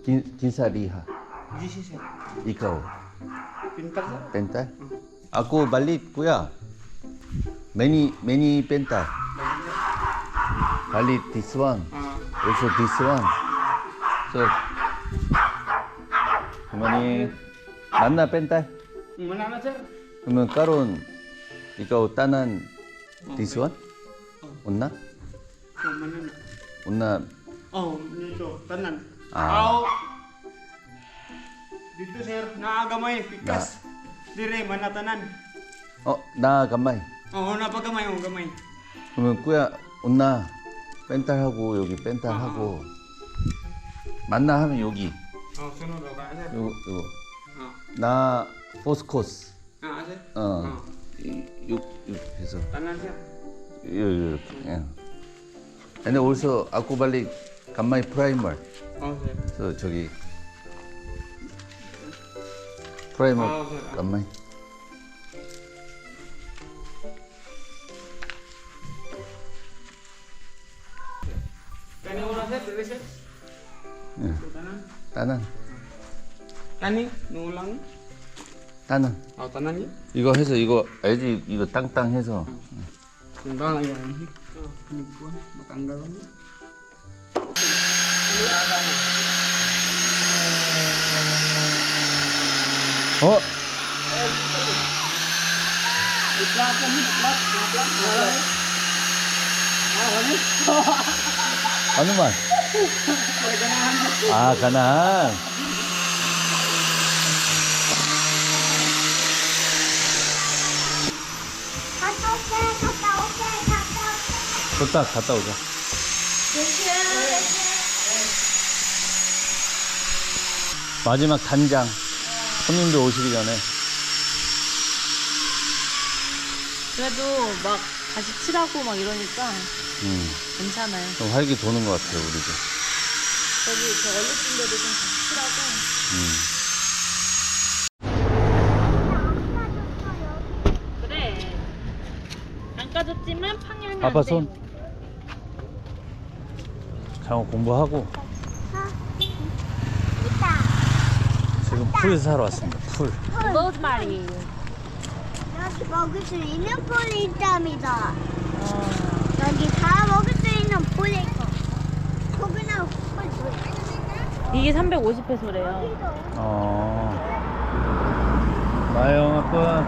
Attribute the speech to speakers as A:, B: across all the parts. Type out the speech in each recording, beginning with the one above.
A: Kinsa liha?
B: GC sir.
A: Ikaw?
B: Pintar sir.
A: Pental? Ako balit kuya. Many pental. Balit this one. Also this one. So 그만이 만나 pental?
B: Mana na sir?
A: 그러면 까론 ikaw tanan this one? 온나?
B: Mana na?
A: 온나
B: Oh, dito. Tanan.
A: Ah.
B: Dito sir, naagamay, pikas. Dire, manatanan.
A: 나 간마이.
B: Napagamay, gamay.
A: 그러면 꾸야 온나 펜탈하고 여기 펜탈하고 만나 하면 여기
B: Sunod ka sir.
A: 요거 나 포스코스
B: Sir?
A: 요 해서
B: Tanan sir.
A: 이렇게 예. 근데 also 아쿠발리 간마이 프라이머
B: Sir.
A: 그래서 저기 프라이머
B: sir.
A: 간마이
B: Kani una sir, dire sir.
A: 예.
B: Tanan.
A: 따난
B: Kani, nulang.
A: 따난
B: Tanan niya.
A: 이거 해서 이거 알지 이거 땅땅 해서
B: Timbang lang yan. Pinigkuhan, matanggal mo.
A: 어느 말? 아 가난 좋다 갔다 오자 마지막 단장 손님들 오시기 전에
C: 그래도 막 다시 칠하고 막 이러니까 괜찮아요.
A: 좀 활기 도는 것 같아요 우리도
C: 저기 저 얼룩진데도 좀 다시 칠하고. 그래. 안 까졌지만 팡열면
A: 아빠
C: 안 돼.
A: 손 장어 공부하고 지금 풀 사러 왔습니다 풀
C: 로즈마리.
D: 여기 먹을 수 있는 폴이 있답니다. 여기 다 먹을 수 있는 폴이 있고 코코넛 폴.
C: 이게 350페소래요.
A: 나영 아빠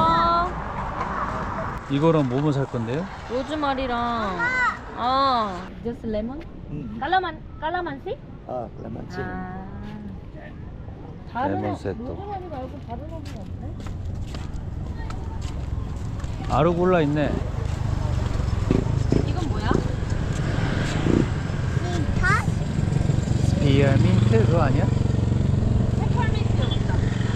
C: 헬로.
A: 이거랑 뭐뭐 살 건데요?
C: 로즈마리랑 just 레몬? 깔라만시?
B: Kalamansi.
C: 다른
A: 레몬 세트.
C: 로즈마리 말고 다른 애는 없네?
A: 아르골라 있네
C: 이건 뭐야?
D: 다
A: 스피어민트 그거 아니야?
C: 페퍼민트 없다.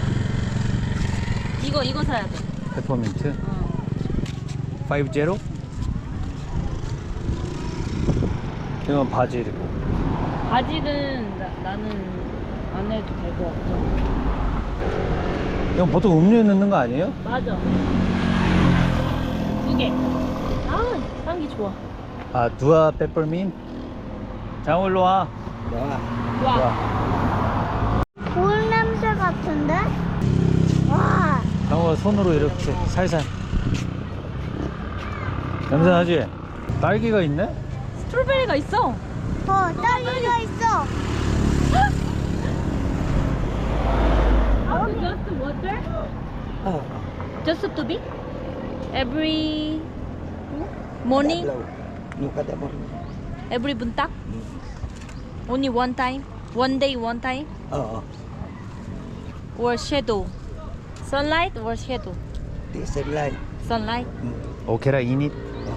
C: 이거 사야 돼.
A: 페퍼민트 50? 이건 바질이고
C: 바질은 나는 안 해도 될 것 같아.
A: 이건 보통 음료에 넣는 거 아니에요?
C: 맞아. 2개. 향기 좋아.
A: 두아 페퍼민 장어 일로 와
C: 좋아.
D: 볼 냄새 같은데? 와.
A: 장어 손으로 이렇게 살살 냄새 나지? 딸기가 있네?
C: 스트로베리가 있어.
D: 딸기가 있어.
C: Just water? Just to be? Every morning? Every buntak? Only one time? One day, one time? Or shadow? Sunlight or shadow? Sunlight?
A: 오케라 이닛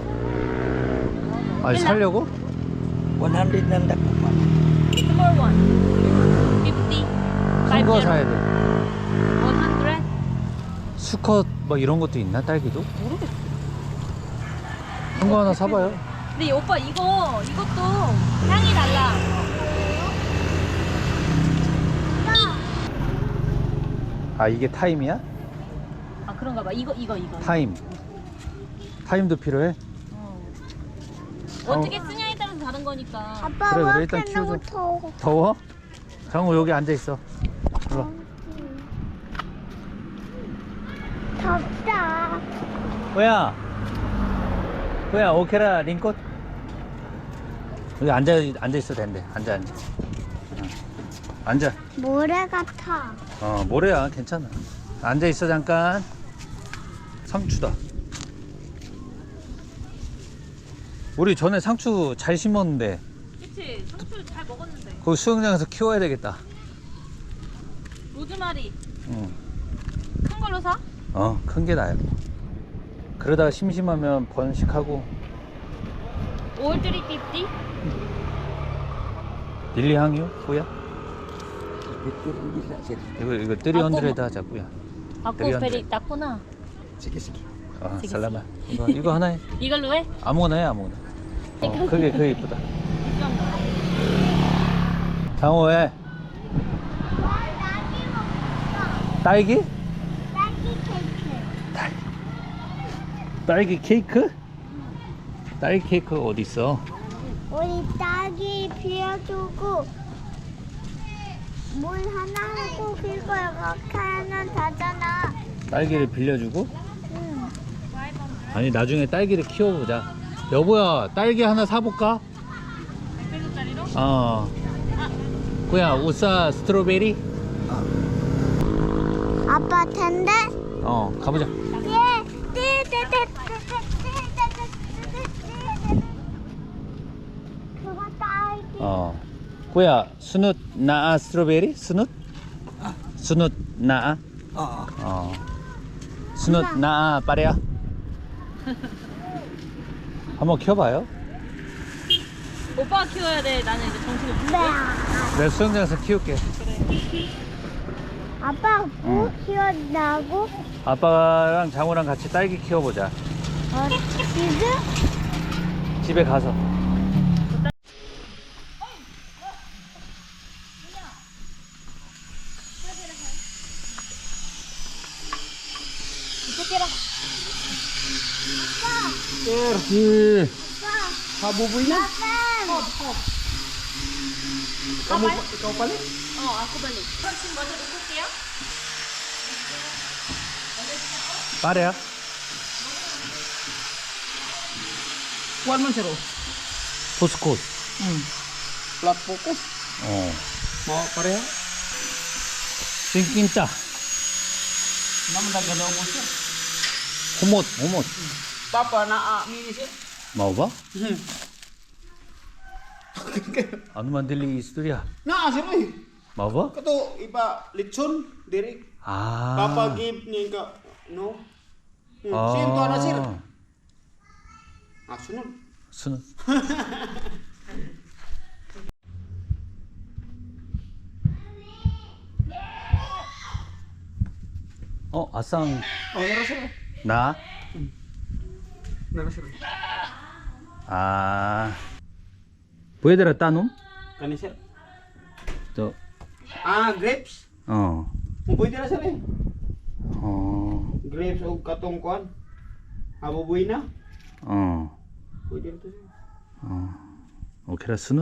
A: 아니 살려고?
B: 100 lang dapat.
C: Small one. 50.
A: 큰 거
C: 50.
A: 사야 돼
C: 100?
A: 수컷 뭐 이런 것도 있나 딸기도?
C: 모르겠어.
A: 큰 거 하나 사봐요
C: 근데 오빠 이것도 향이 달라.
A: 아 이게 타임이야?
C: 아 그런가 봐. 이거.
A: 타임도 필요해?
C: 어떻게 쓰냐에 따라서 다른 거니까.
D: 아빠
A: 그래,
D: 왜
A: 일단
D: 이렇게
A: 키우자.
D: 너무 더워?
A: 더워? 장우 여기 앉아 있어. 일로 와.
D: 덥다.
A: 뭐야 오케라 링꽃. 여기 앉아 있어도 된대. 앉아. 응. 앉아.
D: 모래 같아.
A: 모래야 괜찮아. 앉아 있어 잠깐. 상추다. 우리 전에 상추 잘 심었는데.
C: 그치? 상추 잘 먹었는데.
A: 거기 수영장에서 키워야 되겠다.
C: 로즈마리
A: 응.
C: 큰 걸로 사?
A: 큰 게 나아요. 그러다가 심심하면 번식하고.
C: 5,350?
A: 릴리 향이요? 뭐야? 이거 300 하자 뭐야?
C: 아고
A: 드리안데.
C: 베리 땄구나.
A: 살라마. 이거 하나 해.
C: 이걸로 해?
A: 아무거나 해 아무거나. 그게 이쁘다. 장호 왜? 딸기? 딸기 케이크? 딸기 케이크 어디 있어?
D: 우리 딸기 비워주고 물 하나 하고 그거 이렇게 하면 되잖아.
A: 딸기를 빌려주고?
D: 응.
A: 아니 나중에 딸기를 키워보자. 여보야 딸기 하나 사볼까?
C: 100원짜리로?
A: 그야 우사 스트로베리?
D: 아빠 텐데?
A: 가보자.
D: 그거 딸기.
A: 그야 스누 나아 스트로베리? 스누 나아? 스누 나아 빠레야? 한번 키워봐요.
C: 오빠가 키워야 돼. 나는 이제 정신이 없는데.
A: 내가 수영장에서 키울게.
D: 아빠 뭐 키웠다고?
A: 아빠랑 장우랑 같이 딸기 키워보자.
D: 지금?
A: 집에 가서.
C: 이쪽에라.
B: Habubuy na. Ikaw pala?
C: ako balik. 그럼 지금 먼저 놓고 올게요.
A: 빠레야?
B: Kuan man sir.
A: 포스콧.
B: Flat focus. Mau pareha?
A: 싱kin짜.
B: Naman dagano mo sir.
A: 호못.
B: Papa na mini sir.
A: 먹어봐? anu mandili istorya.
B: Na sir oy.
A: 먹어봐?
B: Kato iba lechon diri.
A: 아.
B: Papa give ni ka no. Sinto na sir. Sunod.
A: 순. 아상
B: Meron sir.
A: 나?
B: Meron sir.
A: 보여드라 따놈?
B: Kani sir.
A: 저,
B: Grapes. Muboy dira sir. Grapes o katong kuan. Habubuy na. Pwede rin to sir.
A: 오케라 스누?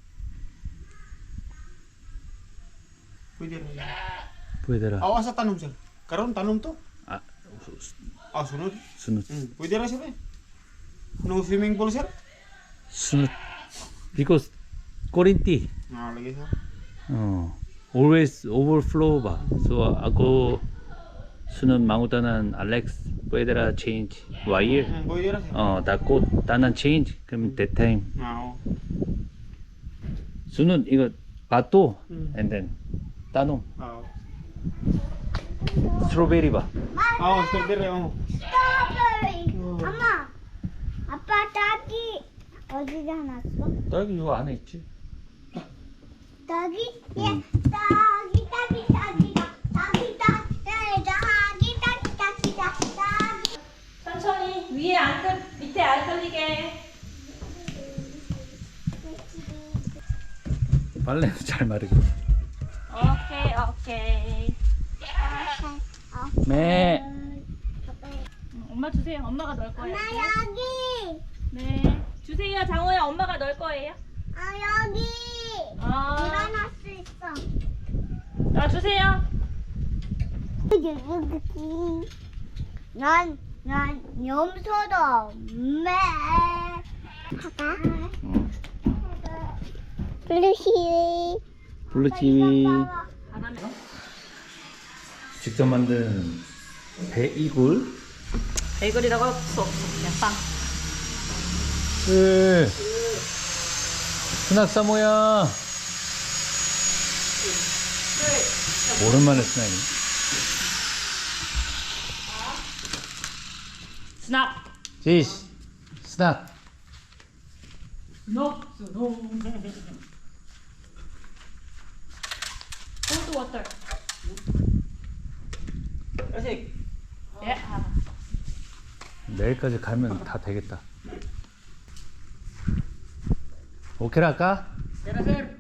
B: Pwede rin.
A: 보여드라.
B: Awa sa tanom sir. Karon tanom to. Sunod.
A: 스누.
B: Pwede rin sir. No swimming pool sir.
A: 스누. because 꼬린띠.
B: Lagi sir.
A: always overflow 봐. so ako 수는 망우다는 알렉스 보여드라 change 와일.
B: Pwede rin sir.
A: 닫고 다난 change 그럼 that time. 수는 이거 바또 and then 따놈. 스트로베리 봐.
B: Strawberry.
D: 스트로베리. 엄마, 아빠 딸기 어디다 놨어?
A: 딸기 이거 안에 있지.
D: 딸기? 딸기.
C: 천천히 위에 밑에 안 걸리게.
A: 빨래는 잘 마르게.
C: 오케이.
A: 네.
C: 엄마 주세요. 엄마가 넣을 거예요.
D: 엄마 여기.
C: 네. 주세요. 장호야 엄마가 넣을 거예요.
D: 여기.
C: 아.
D: 일어날 수 있어.
C: 주세요.
D: 난 염소다. 매. 하가. 블루시.
A: 블루치위. 직접 만든 베이글.
C: 베이글이라고 할 수 없어. 그냥 빵.
A: 스낙 사모야. 오랜만에 스낙이.
C: 스낙.
A: 지시. 스낙.
C: 스낙. 콜드 워터.
B: Asik.
C: 예.
A: 내일까지 가면 다 되겠다. 오케이 할까?
B: Kira sir.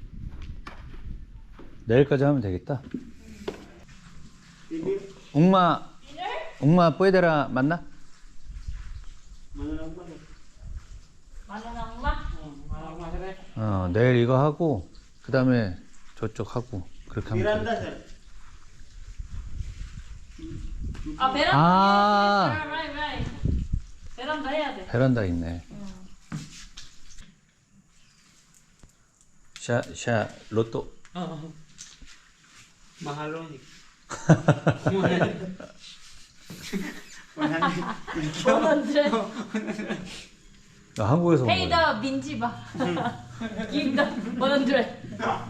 A: 내일까지 하면 되겠다.
B: Ini
A: 웅마 뿌에데라 맞나?
B: mana nak mana?
C: 마늘 엄마.
B: Mana nak sir?
A: 내일 이거 하고 그 다음에 저쪽 하고 그렇게 하면
B: Miranda
A: 되겠다.
B: sir.
C: 아 베란다.
A: 아.
C: right. 베란다 해야 돼.
A: 베란다 있네. 샤 로또.
B: Mahal loh.
C: 원원들.
A: 나 한국에서 온
C: Pay
A: 거야.
C: the 민지바. Give the 원원들.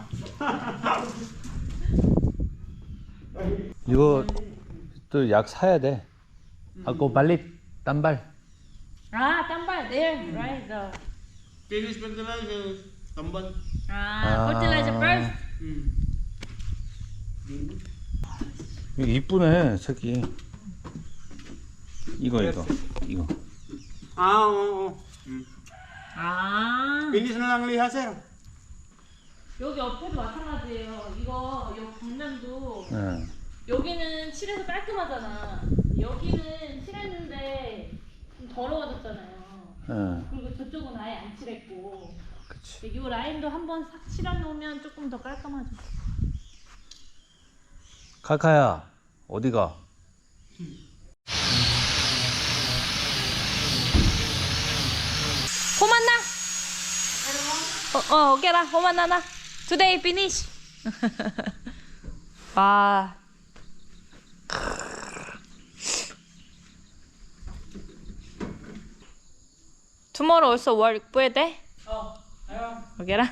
A: 이거 또 약 사야 돼. 아고 빨리 딴발.
C: 아 땀발 there right the.
B: Finish fertilizer. Tambal.
C: 아 fertilizer first.
A: 이거 이쁘네 색이. 이거.
B: Ah, oo.
C: 아
B: Finish na lang liha sir.
C: 여기 옆에도 마찬가지예요. 이거 요 벽면도
A: 응.
C: 여기는 칠해서 깔끔하잖아. 여기는 칠했는데 좀 더러워졌잖아요.
A: 응.
C: 그리고 저쪽은 아예 안 칠했고.
A: 그치.
C: 이 라인도 한번 싹 칠해놓으면 조금 더 깔끔하죠.
A: 카카야 어디가?
C: 호만나. 오케이라 호만나나. Today finish. 와. Tomorrow also work puede? 오케이라.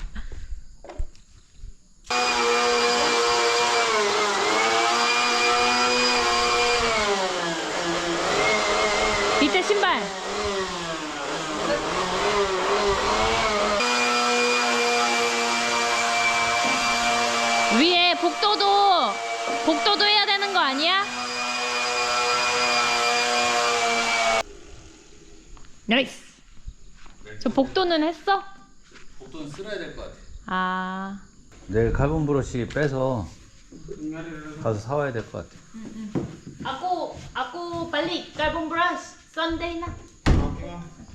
C: 밑에 신발. 위에 복도도 해야 되는 거 아니야? 나이스. 저 복도는 했어?
A: 복도는 쓸어야 될 것 같아.
C: 아.
A: 내일 칼본 브러쉬 빼서 가서 사와야 될 것 같아.
C: Aku balik carbon brush Sunday na.
B: Okay.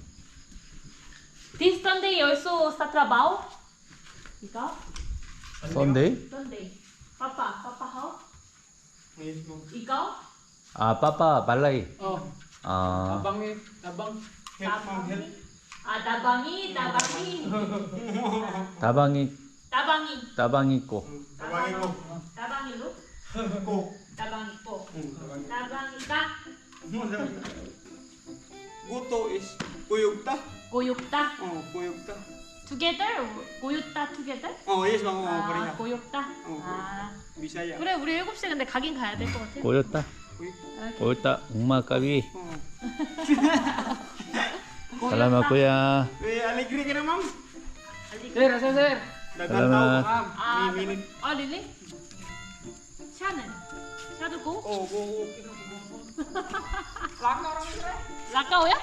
C: This Sunday also sa trabaho? Ikaw?
A: 썬데이?
C: Sunday. Papa how?
B: Ayos mo.
C: Ikaw?
A: 아 빠빠 말라이.
B: Oh,
A: 아
B: abang help mag help.
C: Ah, tabangi.
A: 따방이 있고.
B: Tabangin mo.
C: Tabangi lo?
B: Ko.
C: Tabangi po.
B: Tabangin.
C: Tabangi ka.
B: Guto is kuyugta.
C: Goyokta.
B: Oh, kuyugta.
C: Together? 고요따 together?
B: Oh, yes bang. Oh,
C: 아,
B: pareha.
C: 고요따.
B: 어,
C: 아.
B: Bisaya.
C: 그래, 우리 7시에 근데 가긴 가야 될 것 같아.
A: 꼬였다.
C: 이렇게.
A: 꼬였다. 웅마 까비.
B: Oh.
A: 살라마 꼬야.
B: Alegre ka na, ma'am.
C: Sir.
B: Dagan
A: Salamat.
B: tao, ma'am.
C: 아,
B: Minute.
C: 아, 릴리? 샤는? 샤도 고?
B: Oh, go.
C: 라카오야?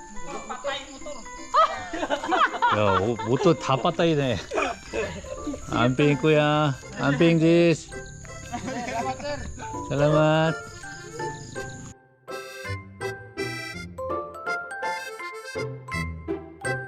A: 야, 옷도 다 빠따이네. 안 뺑 꼬야. 안 뺑지스. 살라맛.